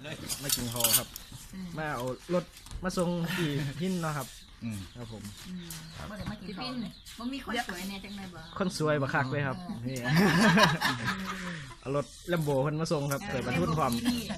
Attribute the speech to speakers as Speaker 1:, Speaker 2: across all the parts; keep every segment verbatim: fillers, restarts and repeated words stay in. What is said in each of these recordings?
Speaker 1: มากินคอครับมาเอารถมาส่งที่พินเนาะครับครับผม
Speaker 2: ที่พินมันมีคนสวยเนี่ยจังเลยบ่
Speaker 1: คนสวยบักคักเลยครับนี่เอารถแลมโบเพิ่นมาส่งครับเกิดบรรทุนความ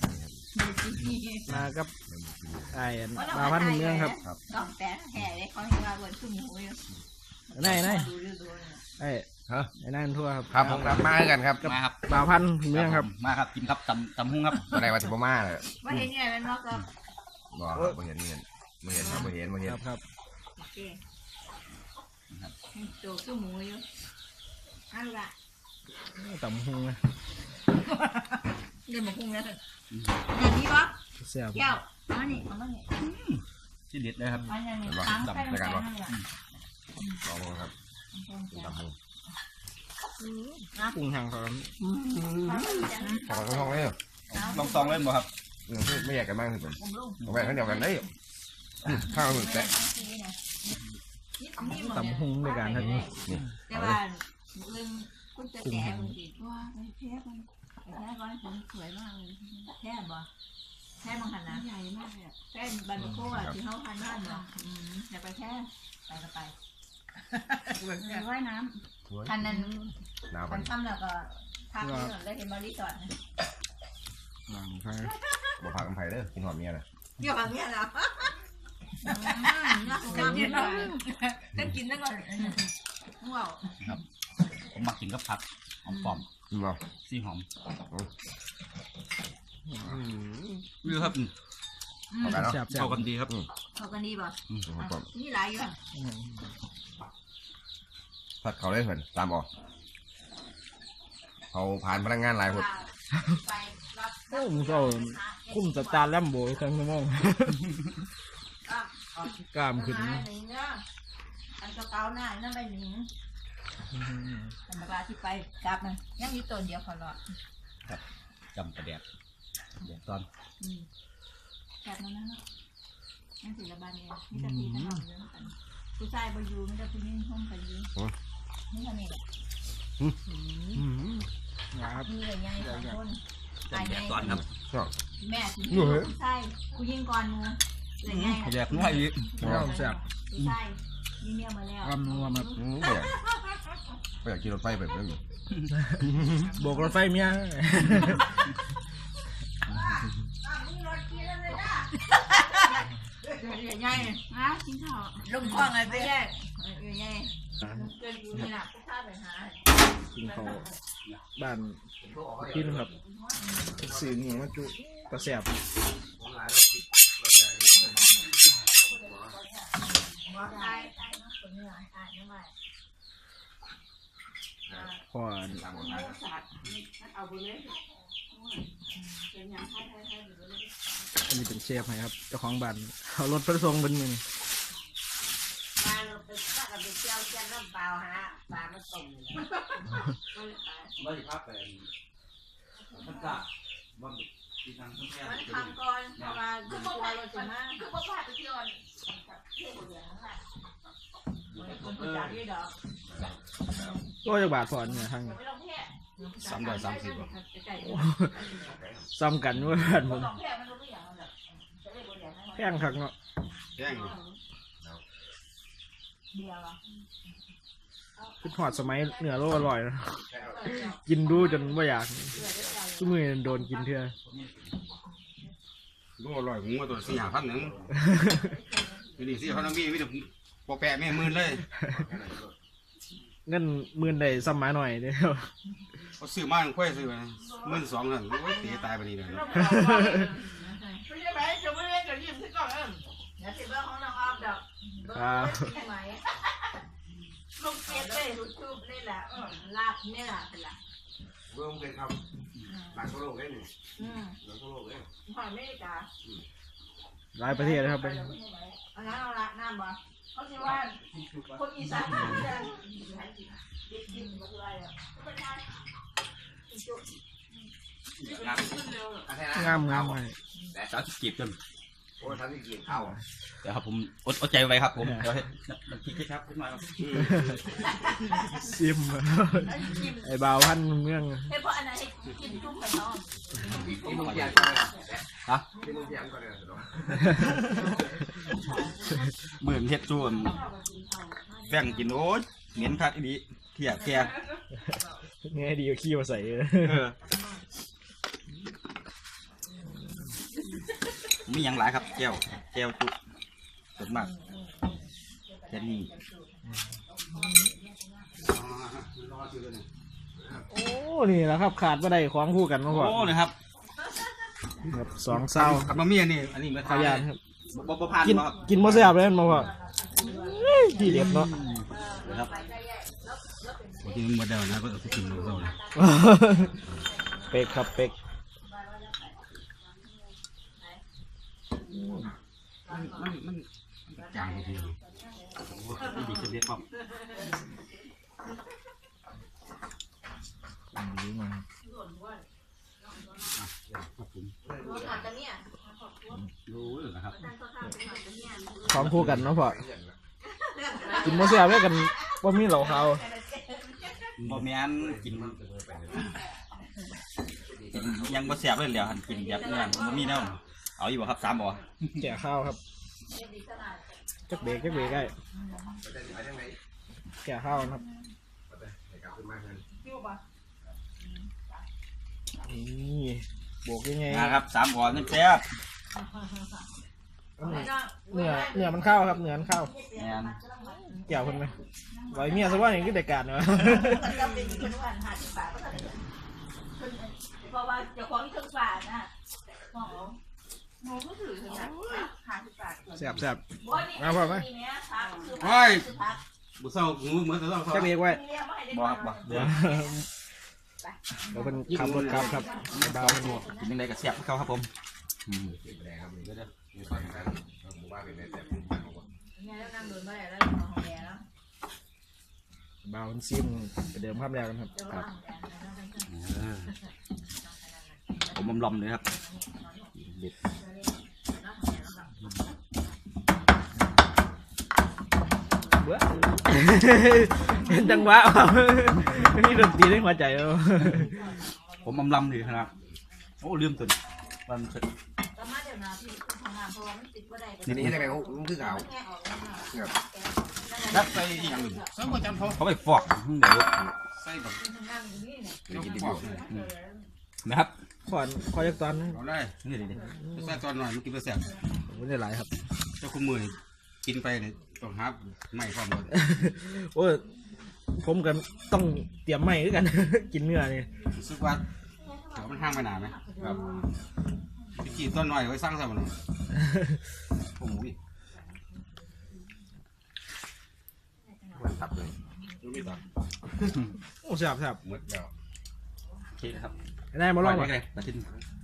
Speaker 1: มากับไอ้มาพันเมืองครับ
Speaker 2: กล่องแต่แห่เลยเขาเห็นว่าบนชุ่มหูอยู่
Speaker 1: ไหนไหนไอ้ฮะไอ้นั่นทั่วครับ
Speaker 3: ครับผมมากันครับ
Speaker 1: มาครับมาพันเมืองครับ
Speaker 3: มาครับกินครับตำตำหุ้งครับอะไรมาถึงมาเลย
Speaker 2: ว่าเห็นไงมันบอกก็
Speaker 3: บอกไม่เห็นไม่เห็นไม่เห็นครับไม่เห็นไม่เห็น
Speaker 1: ครับ
Speaker 2: โอเคโจ้ชุ่มหูอยู่เอาละ
Speaker 1: ตำหุ้งนะ
Speaker 2: เดี๋ยวมาหุ้งแล้วอย่างนี้วะ
Speaker 1: เสียบ
Speaker 2: เกี่ยวอันนี้อันนี้
Speaker 3: ที่เด็ดเลยครับ
Speaker 2: อันนี้ตั้งใจกันวะ
Speaker 3: ลองครับตำหุ้ง
Speaker 1: ปรุงทางเขา
Speaker 3: ขอลองเลยลองซองเล่นบ่ครับไม่อยากกันมากที่สุดเอาไปทั้งเดียวกันได้ข้าวหมึกแตะ
Speaker 1: ตำหุ้งด้วยกันท่านนี้
Speaker 2: แต่ว่าเรื่องคุณจะแก่มันดีว่าไปแท้มันไปแท้ก่อนผมสวยมากเลยแท้บ่แท้บางขนาดใหญ่มากเลยแท้บันโก้อะที่เขาพันบ้านเนาะอยากไปแท้ไปก็ไปว่ายน้ำพันนั้นพันค่ำแล้วก็พักนี่ก่อนได้เห็นบริจอดนะ
Speaker 1: ใช่
Speaker 3: บ่พักกันไผ่เด้อกินหอมเมียนะ
Speaker 2: เกี่ยวกับเมียนะจะกินแล้วจะกินแล้วก็ว้าว
Speaker 3: ครับผมมักกินกับผักหอมปอมซีหอมวิวครับเข้ากันดีครับ
Speaker 2: เข้ากันดีป่ะนี่หลายอยู่
Speaker 3: ผัดเขาได้เหมือนตามออกเขาผ่านพนักงานหลายคน
Speaker 1: โอ้มึงก็คุ้มสตาร์แลมโบครั้งนึงมั้งกล้ามขึ้น
Speaker 2: อันกระเป๋าหน้านั่นไปหนิงธรรมดาที่ไปกลับมันยังมีตัวเดียวพอหรอก
Speaker 3: ครับจำกระเดียดเดี๋ยวตอน
Speaker 2: แค่นั้นนะยังศิลปะเนี่ยมีแต่ตีกันหอมเยอะกันผู้ชายไปอยู่มีแต่ผู้หญิงห้องกันอยู่นี่ทำไงล่ะมีเลยไงสองคนตายไง
Speaker 3: ตอนครับ
Speaker 2: แม่ผู้หญิงผู้ชายผู้หญิงก่อนมูเลยไง
Speaker 3: แยกน้อยอีก
Speaker 1: แซ่บ
Speaker 2: ผู้ชายมีเมียมาแล้ว
Speaker 1: อ้ำนัวมา
Speaker 3: ไปอยากกินรถไฟแบบนี้
Speaker 1: โบกรถไฟเมีย
Speaker 2: ใหญ่ๆนะกินข้าวลงคลองอะไรไปแยกใหญ่เกินอยู่นี่นะพวกข้าไปหา
Speaker 1: กินข้าวบ้านพี่นะครับสื่อนี่มาจุกระแสบพออันนี้เป็นเชฟไหมครับเจ้าของบ้านเอารถไปส่งเป็นมือ
Speaker 2: มาไปป้ากับไปเที่ยวเที่ยวน้ำเปล่าฮะปลามาส่ง
Speaker 3: ไม่ได้พักเป็นพักกะบ้างที่ทางทุ่งแก่
Speaker 2: มันทำก่อนเพราะว่าคือพวกเราจะมาคือพวกพาไปเที่ยวเที่ยวเหลืองนั่นแหละคนประจานด้วยดอก
Speaker 1: ก็จะบาดพอนเนี่ยทาง
Speaker 3: สามร้อยสามสิบ
Speaker 1: ซ้ำกันว่าบ้านผมแพงคักเนาะ
Speaker 3: แพง
Speaker 1: คิดหอดสมัยเหนือโลอร่อยนะกินดูจนว่าอยากทุกมือโดนกินเถอะ
Speaker 3: โลอร่อยผมว่าตัวสี่ห้าพันหนึ่งนี่สี่พันมีไม่ถึงปอแปะไม่หมื่นเลย
Speaker 1: เงินหมื่นได้ซ้ำมาหน่อยเดียว
Speaker 3: เขาซื้อมาค่อยซื้อมาหมื่นสองนั่นโอ้ยตีตายไปนี่เลย
Speaker 2: ไม่ใช่ไหมจะไม่เล่นจะยิ้มที่ก่อนเออเดี๋ยวสิเบอร์ของน้องออฟดอกเบอร์ใช่ไหมลูกเก็บเลยลูกทูบนี่แหละลาบนี่แหละเป็นละ
Speaker 3: เบอร์มันเป็นคำหลังทั่วโลกเลยนี่หลังทั่วโลกเลย
Speaker 2: หอยไม่จ้า
Speaker 1: หลายประเทศนะครับไป
Speaker 2: อันนั้นเอาละน้ำบ่เขาคิดว่าคนอีสานจะกินอะไรอ่ะ
Speaker 1: งามงามไป
Speaker 3: สาวจีบจนโอ้ท่านที่กินข้าว
Speaker 4: เดี๋ยวครับผมอดอดใจไว้ครับผมเดี๋ยวให้น้ำพริกครับขึ้นมาครับ
Speaker 1: ซิมไอ้บ่าวพันเมือง
Speaker 2: เฮ้ยเพราะอันนั้นให้กินจุ่มกับน้อง
Speaker 3: กินลูกเทียนก่อนเลย
Speaker 4: ฮะ
Speaker 3: กินลูกเทียนก่อนเลย
Speaker 4: เหมือนเฮ็ดจูนแบ่งกินโอ้ยเหม็นคักอีดีเที่ยแก
Speaker 1: ไงดีก็ขี้มาใส่เลย
Speaker 4: เออมีอย่างหลายครับแก้วแก้วจุสดมากแค่นี้
Speaker 1: โอ้นี่แหละครับขาดไม่ได้ของคู่กันมาก่อน
Speaker 4: โอ้นะครับ
Speaker 1: ครับสองเศร้า
Speaker 4: กับมาเมียนี่อันนี้มา
Speaker 1: ขายานครับ
Speaker 4: บ่บ่ผ่าน
Speaker 1: กิน
Speaker 4: บ่ครับ
Speaker 1: กินมะเสียบเลยมาก่อนที่เด็ดเนาะ
Speaker 4: ครับบางทีมันหมดแล้วนะก็ต้องกินหมดแล้วนะ
Speaker 1: เป็กครับเป็ก
Speaker 4: มันมันมันจางทีเดียวโอ้ยดีขึ้นเยอะปั๊บ
Speaker 1: ดีมาก
Speaker 4: ครับผม
Speaker 2: ถามกันเนี่ย
Speaker 4: รู้เลยนะครับ
Speaker 1: ของคู่กันเนาะพ่อกินมะเสียบด้วยกันว่ามีเหล่าเขา
Speaker 4: บ่แม่นกินกินยังบ่แซ่บเลยแล้วหันกินแบบนี้บ่มีแนวเอาอยู่บ่ครับสามบ่
Speaker 1: แก่ข้าวครับจักเบรกจักเบรกได้แก่ข้าวนะครับนี่โบกยังไง
Speaker 4: นะครับสามบ่นี่แซ่บ
Speaker 1: เนื้อเนื้อมันเข้าครับเนื้อมันเข้า
Speaker 4: แม่น
Speaker 1: เกี่ยวคนไหมไว้เมียซะว่าอย่างที่เด็กการเนาะ
Speaker 2: มันก็เป็นคนวันหาที่ป่าก็ทำเพราะว่าเจ้าของที่เครื่องป่านะหมอหนูก็ถือถึงนะหาที่ป่า
Speaker 1: แซ่บแซ่บ
Speaker 2: มาพ่อไหมนี่เนี่ยพักคือ
Speaker 4: โอ้ย
Speaker 2: พัก
Speaker 4: บ่เศร้างูเหมือนเศร้า
Speaker 1: จักเบรกไว้
Speaker 4: บ่ครับบ่เดี๋ยว
Speaker 1: เดี๋ยวเป็นขับรถครับครับเบาเป็นหมวก
Speaker 4: กินยังไงก็แซ่บเขาครับผมอืม
Speaker 2: เนี่ยแล้วนั่งโดนมาแล้วแล้วของแกแล้ว
Speaker 1: เบาเป็นซิมไปเดิมภาพแล้วนะครับครับ
Speaker 4: เออผมอมลอมเลยครับเด็ด
Speaker 1: เบ้อเห็นจังหวะนี่ดนตรีได้หัวใจเอา
Speaker 4: ผมอมลำเลยครับโอ้ลืมตัวมันเสร็จ
Speaker 2: ก็มาเดี๋ยวนะพี่ทำงานเพราะว่ามันติดว่าได้
Speaker 3: นี่นี่ได้ไหมเขาคือเขา
Speaker 4: นักไปอย่างอื่นเขาไปฟอกเดี๋ยวใส่แบบ
Speaker 3: กินดีกว่า
Speaker 4: นะครับ
Speaker 1: ขอนขอยักตอนนะ
Speaker 4: เอาได้นี่เดี๋ยวใส่ตอนหน่อยมันกินไปแซ่บ
Speaker 1: ไม่ได้หลายครับ
Speaker 4: เจ้าคุณมือกินไปเนี่ยต้องหาไม่ความหมด
Speaker 1: โอ้ยผมกันต้องเตรียมไม้ด้วยกัน กินเนื้อนี่
Speaker 4: รู้สึกว่าเดี๋ยวมันห้างไปนานไหมครับพี่กินต้นหน่อยไว้สร้างสรรค์โอ้โห
Speaker 3: มันตับเลย
Speaker 4: ดูไม่ต่อ
Speaker 1: โอ้แซ่บแซ่บ
Speaker 3: หมดแล้ว
Speaker 4: โอเคนะครับ
Speaker 1: ได้มาลอง
Speaker 4: ไป
Speaker 1: ก่อน
Speaker 4: เลยตัดทิ้ง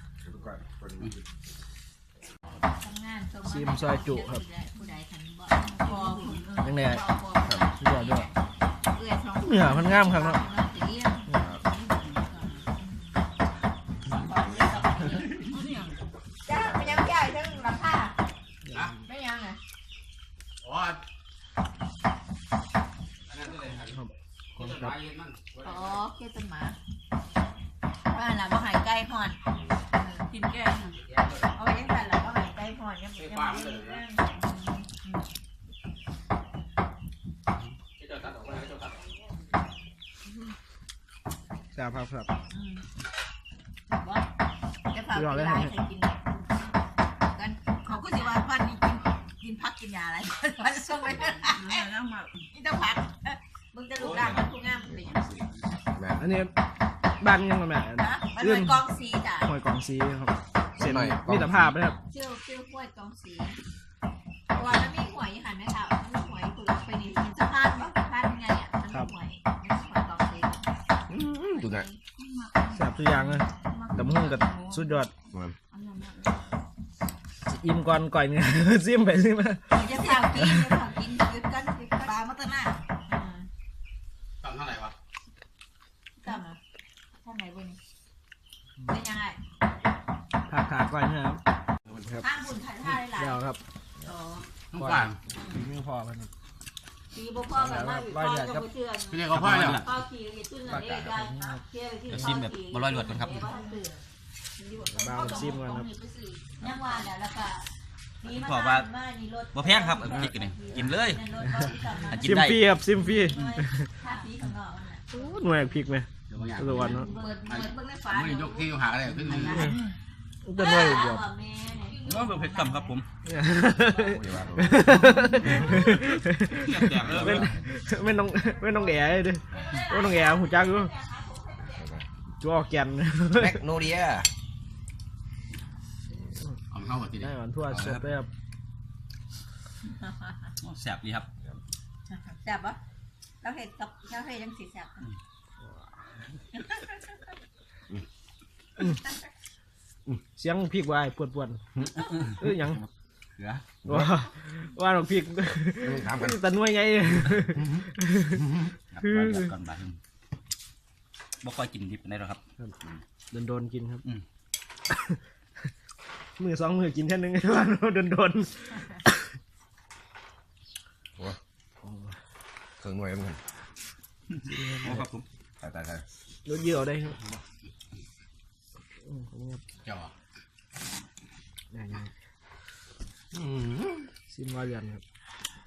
Speaker 2: ทำงาน
Speaker 1: ซีมซอยจุครับ
Speaker 2: ผู้ใดทันบ่พอ
Speaker 1: ยังไงครับสุดยอดด้วย
Speaker 2: เอื้อยสอง
Speaker 1: เนื้อมันงามครับเนาะ
Speaker 2: จ้าไม่ยังใหญ่ทั้งราคาไม่ยังไง
Speaker 4: อ๋อ
Speaker 1: คนครับ
Speaker 2: อ๋อแค่ต้นหมาบ้านเราบ่หายใกล้ห่อนกินแก่เอาไว้ยังไงเราบ่หายใกล้ห่อนยังยังไม่ได้
Speaker 1: แซ่บครับครับ
Speaker 2: ว่าจะฝากกินได้ใครกินกันเขาก็จะว่าบ้านนี้กินกินพักกินยาอะไรว่าจะส่งไปนี่ต้องพักมึงจะลูกด่างมันทุกงามเลย
Speaker 1: อันนี้บ้านยังไงแม่
Speaker 2: นะมันเป็นกองสีจ้ะ
Speaker 1: หอยกองซีครับเส้นมิตรภาพนะครับ
Speaker 2: เชื่อเชื่อห้วยกองสีเพราะว่ามันมีหวยหันไหมคะมันมีหวยคุณไปนี่เห็นสะพานว่าสะพานไงอ่ะมันมีหวยมันมีหวยกองสี
Speaker 3: ดูนะ
Speaker 1: แซ่บทุกอย่างเลยแต่มุ่งกับสุดยอดอิ่มก่อนก่อยเนี่ย ซิมไปซิมมา
Speaker 2: จะสาวกินจะสาวกินยึดกันยึดปลามาตั้งหน้า
Speaker 4: ตั้งเท่าไหร่วะ
Speaker 2: ตั้งอ่ะท่านไหนบุญเป็นยังไง
Speaker 1: ขาดขาดก่อยเนี่ยครับครับ
Speaker 2: ห้างบุญถ่ายท่าหลาย
Speaker 4: ก่อน
Speaker 1: มือพอมัน
Speaker 2: ปีบ่พ่อกันมาพ่อก็บ่เชื่อ
Speaker 4: พี่เรียกเขาพ่อเลย
Speaker 2: พ่อขี่ก็ตุ้นนั่นเองกันเชื่อที่
Speaker 5: ซิมแบบบร้อยหลวดกันครับ
Speaker 1: บาวซิมกันครับ
Speaker 2: ยังว่าเดี๋ยวแล้วก็
Speaker 5: บ่แพงครับพริกนี่กินเลยกิน
Speaker 1: ซิม
Speaker 5: ได้
Speaker 1: ฟรีครับซิมฟรี
Speaker 2: ถ้าสีข้างนอกมันน่ะ
Speaker 1: โอ้หน่วยพริกไหม
Speaker 4: เดี๋ยวบางอย่าง
Speaker 1: ระวังเนาะ
Speaker 2: เปิดเปิดเบิ่งในฝา
Speaker 4: ไม่ยกที่หาอะไรขึ้นนี่
Speaker 1: จะหน่วยบวบ
Speaker 2: แม่เนี่ย
Speaker 5: น้องเป็นเผ็ดต่ำครับผม
Speaker 1: ไม่ไม่ต้องไม่ต้องแก่เลยดิไม่ต้องแก่หูจักอยู่จัวแกน
Speaker 3: แมกโนเลีย
Speaker 4: เอาเข้ามาที
Speaker 1: ได้
Speaker 4: นี้
Speaker 1: ก่อนทั่วสดเลยครับ
Speaker 5: แสบดีครับ
Speaker 2: แซ่บปะเราเห็ดกับเราเห็ดยังสีแซ่บ
Speaker 1: เสียงพริกวายปวดปวดเอ้ยยัง
Speaker 4: เหลือ
Speaker 1: ว่าว่าเราพริก
Speaker 3: ถามกัน
Speaker 1: แต่หน่วยไง
Speaker 5: ก่อนบ่ายบ่ค่อยกินดิบได้หรอกครับ
Speaker 1: โดนโดนกินครับ
Speaker 5: อืม
Speaker 1: มือสองมือกินแค่นึงว่าโดนโดน
Speaker 3: เครื่องหน่วยมัน
Speaker 5: โอ้ครับผม
Speaker 3: ตายตายตาย
Speaker 1: รถเยอะได้ครับอืมผมครับ
Speaker 4: เจ้า
Speaker 1: อย่างนี้ซิมวาเรียนครับ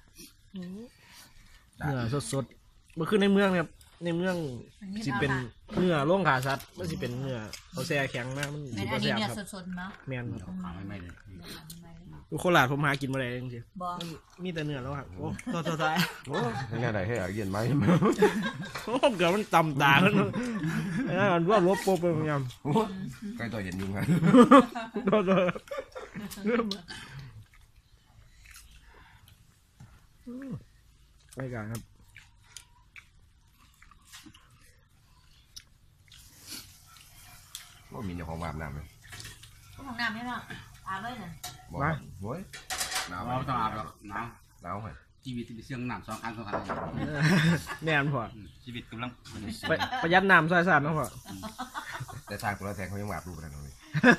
Speaker 1: เนื้อสดสดๆเมื่อคืนในเมืองครับในเมืองสิเป็นเนื้อล่งขาสัตว์มันสิเป็นเนื้อเขาแช่แข็งนะมัน
Speaker 2: เป็
Speaker 1: สิ
Speaker 2: น
Speaker 1: บ่
Speaker 2: อันนี้
Speaker 1: แซ่บ
Speaker 2: เนี่ย
Speaker 1: ครับ
Speaker 2: สดๆมั้ง
Speaker 1: แมนครับ
Speaker 4: ขาไม่ไม่เลย
Speaker 1: ดูโคราชผมหากินมาได้จริง
Speaker 2: บอก
Speaker 1: ๆมันมีแต่เนื้อแล้วครับโอ้ตัวตัวท้าย
Speaker 3: โอ้ยังไงได้ให้อาเย็นไหม
Speaker 1: โอ้เกือบมันต่ำตาแล้วเนอะไอ้นั่นมันว่าลบโปไปพยายาม
Speaker 3: ใกล้ตัวเย็นยุงครับ
Speaker 1: ตัวตัวไปกันครับ
Speaker 3: ว่ามีเจ้าของอาบน้ำไหม
Speaker 2: ห้องน้ำไม่หรอกอาบเลยน่ะ
Speaker 3: บอกโว้ยหนาว
Speaker 4: เราต้องอาบแล้วหนาว
Speaker 3: หนาวเหรอ
Speaker 4: ชีวิตที่เสี่ยงหนาวสองครั้งสองครั้ง
Speaker 1: แน่นพอ
Speaker 5: ชีวิตกำลัง
Speaker 1: ไปประหยัดน้ำใส่สารนะพอ
Speaker 3: แต่ทางตัวแทนเขายังอาบดูกันตรงนี้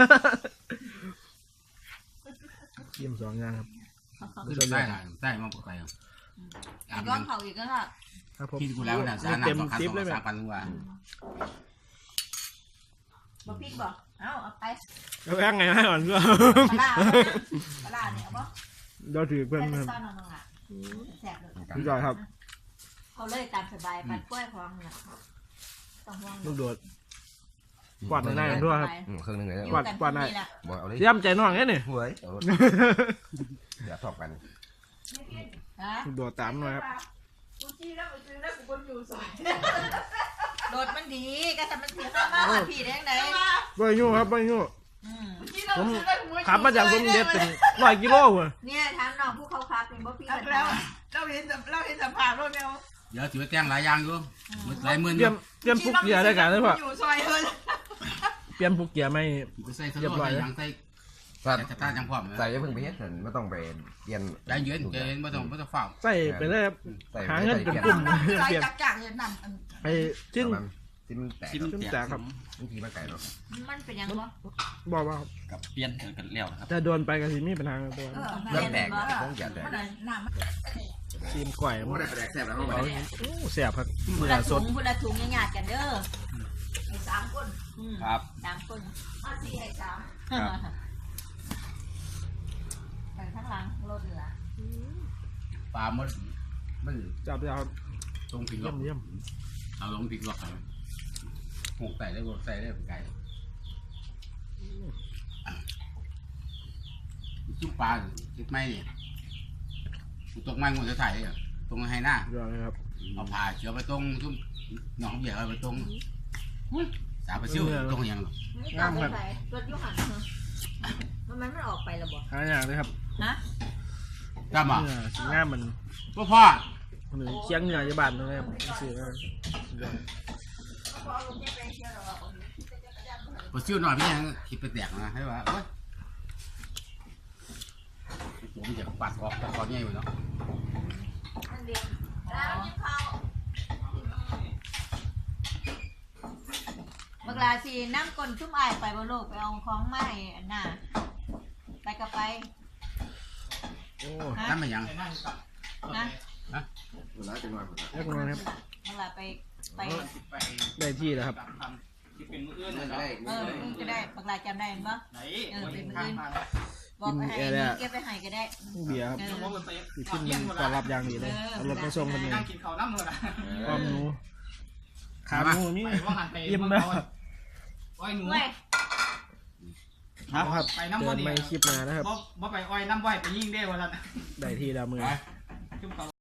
Speaker 1: เยี่ยมสองอย่างครับ
Speaker 4: ใต้ใต้มาปกติอาบ
Speaker 2: ย้อนเขาอีกก็ค่ะ
Speaker 1: ครับผม
Speaker 4: กินกูแล้วนะสารหนาวสองครั้งสองสามพันกว่า
Speaker 2: บอกพริกบอกเอาเอาไป
Speaker 1: แล้วแอ้งไงให้ก่อนก็
Speaker 2: ปลาปลาเนี่ยเอาบ่
Speaker 1: เราถือเพื่อน
Speaker 2: แต่
Speaker 1: ครับ
Speaker 2: ซ่อนน้องๆอ่ะแซ่บเลย
Speaker 1: พี่จอยครับ
Speaker 2: เขาเลยตามสบายปัดกล้วยพร้อมน่ะต้องห่วง
Speaker 1: ลูกโดดกวาดในหน้ากันด้วยครับ
Speaker 3: เครื่องนึงเลย
Speaker 1: กวาดกวาดได้
Speaker 3: บอกเอาเลย
Speaker 1: เยี่ยมใจน้องแค่นี่
Speaker 3: เฮ้ยเดี๋ยวทอบกัน
Speaker 2: ฮะ
Speaker 1: ลูกโดดตามหน่อยครับ
Speaker 2: โดดมันดีก็ทำมันเสียค่ามากกว่าพี่ได้ยังไง
Speaker 1: ไม่ยุ่งครับไม่ยุ่ง
Speaker 2: อืม
Speaker 1: ผมขับมาจากสมเด็จเป็นร้อยกิโลว่ะ
Speaker 2: เนี่ยถามน้องผู้เขาคักเป็นบ่พี่กัน
Speaker 6: แล้วเราเห็นเราเห็นสภาพรถเนี่ย
Speaker 4: เดี๋ยวถือว่าแจ้งหลายอย่างอยู่หลายหมื่นอ
Speaker 1: เตรีย
Speaker 4: ยู่
Speaker 1: มเตรียมปุกเกียร์ได้กันเลยพ่อ
Speaker 6: อยู่ซอยเลย
Speaker 1: เตรียมปุกเกียร์ไม่
Speaker 4: ไปใส่สโลใส่ยางใส่
Speaker 3: สัต
Speaker 4: แต่ท่าจังพร้อม
Speaker 3: ใส่ยังเพิ่งไปเฮ็ดเห็นไม่ต้องไปเปลี่ยน
Speaker 4: ได้เย็นเย็นไม่ต้องไม่ต้องเฝ้า
Speaker 1: ใส่ไปเลยครับ
Speaker 3: ใส่
Speaker 1: หาเงินเป็น
Speaker 3: เปลี่ยน
Speaker 1: กลุ่ม
Speaker 6: ไร
Speaker 1: เปลี่ยน
Speaker 6: จักจักเนี่ยนั่น
Speaker 1: ไอ้ชิ้น
Speaker 3: ที่มันแตก
Speaker 5: ซิม
Speaker 1: ชิ้น
Speaker 5: แต
Speaker 1: แต
Speaker 5: ก
Speaker 1: กครับ
Speaker 3: บางทีมันไก่เนาะ
Speaker 2: มันเป็นยังบ่
Speaker 1: บอกว่า
Speaker 5: กับเปลี่ยนกันแล้วครับ
Speaker 1: จะโดนไปกันสิมีปัญหาตัว
Speaker 3: เรื่องแตกต้องอย่าแตก
Speaker 6: มันน้ำมัน
Speaker 1: ทีมก่อย
Speaker 3: โอ้
Speaker 1: มัน
Speaker 3: ได้ไปแดกแซ่บแล้วเข้าไป
Speaker 1: โอ้แสบครับ
Speaker 2: พุ
Speaker 1: เนื้
Speaker 2: ละ
Speaker 1: อส
Speaker 2: ถุ
Speaker 1: ด
Speaker 2: งพุละถุงยังหยาดกันเด้อไอ้สามคนอืม
Speaker 5: ครับ
Speaker 2: สามคนเอาสี่ไอ้สามไปข้างหลังรถเหลือ
Speaker 4: ปลามันมัน
Speaker 1: จับยาว
Speaker 4: ตรงผิง
Speaker 1: เยี่ยมเยี่ยม
Speaker 4: เอาลงผิงล็อกกันหกใส่ได้หกใส่ได้ไก่จุ่มปลาคิดไม่เนี่ยตกไม้งูจะถ่ายเลยตรงให้หน้าย
Speaker 1: อดเลยครับ
Speaker 4: เอาผ่าเชือไปตรงจุ่มหนองเหยียบไปตรงสาไปซิ่วตรงยัง
Speaker 2: นี่ตามไปไหนรถยุหันเหรอมันมันมันออกไปแล้วบ่
Speaker 1: หาอย่างเลยครับ
Speaker 2: ฮะ
Speaker 4: กล้ามา
Speaker 1: เนื้อสีง่ามมัน
Speaker 4: พ่อพ่อ
Speaker 1: หรือเคียงเนื้อยาบานเลยครับสื่อว่า
Speaker 4: พอซิ่วหน่อยพี่ยังคิดไปแตกนะให้ว่าโอ้ยผมอยากปัดออกแต่ตอนนี้อยู่เนาะ
Speaker 2: นั่นเดียวแล้วยิ้มเขาบักลาสีน้ำก้นชุ่มอายไปบ่โลกไปเอาของไม้อันน่ะไปกับไป
Speaker 1: โอ้
Speaker 4: น้ำมันยัง
Speaker 2: นะ
Speaker 3: เวลาจะนอน
Speaker 1: เรียกน้อยครับ
Speaker 2: เวลาไปไป
Speaker 1: ได้ที่แล้วครับ
Speaker 4: ที่เป็นมืออื่น
Speaker 3: เงิ
Speaker 4: เลย
Speaker 3: น
Speaker 4: เนาะ
Speaker 3: ได้
Speaker 2: เออมึงก็ได้บางรายจำได้ปะ
Speaker 4: ไหน
Speaker 2: เออเป็นมือ
Speaker 4: ข้าง
Speaker 2: อื่น
Speaker 4: ทาง
Speaker 2: บอกไปให้เก็บไปให้ก็ได้
Speaker 1: เบียร์ครับ
Speaker 2: เออ
Speaker 1: อยู่ขึ้นต้อนรับอย่างดีเลยเอารถมาส่งคนนี้
Speaker 4: นั่งกินข้าวน้ำเลยนะ
Speaker 1: ความหนูขาหนูนี่ยิ้มแล้ว
Speaker 4: อ้อยหนู
Speaker 2: เว้ย
Speaker 1: ครับเจอไม่คลิปมานะครับ
Speaker 4: บ่บ่ไปอ้อยน้ำบ่อยไปยิ่งได้วันละ
Speaker 1: ได้ที่ดาวมือ
Speaker 4: จุ่มเขา